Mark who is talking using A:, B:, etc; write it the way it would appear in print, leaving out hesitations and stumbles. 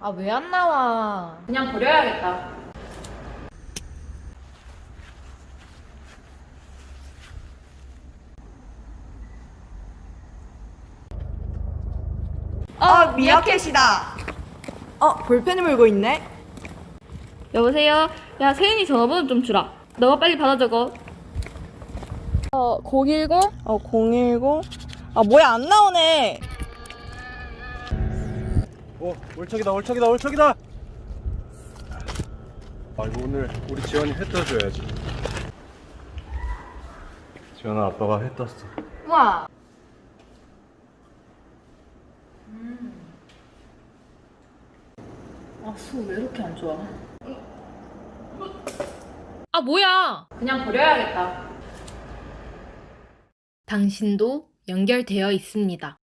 A: 아, 왜 안 나와?
B: 그냥 버려야겠다.
C: 미어캣이다. 볼펜을 물고 있네.
B: 여보세요? 야, 세인이 전화번호 좀 주라. 너가 빨리 받아 적어. 010?
C: 010. 뭐야, 안 나오네.
D: 올척이다 올척이다 올척이다. 이거 오늘 우리 지원이 회 떠줘야지. 지원아, 아빠가 회 떴어.
A: 우와.
B: 속 왜 이렇게 안 좋아?
A: 아, 뭐야?
B: 그냥 버려야겠다.
A: 당신도 연결되어 있습니다.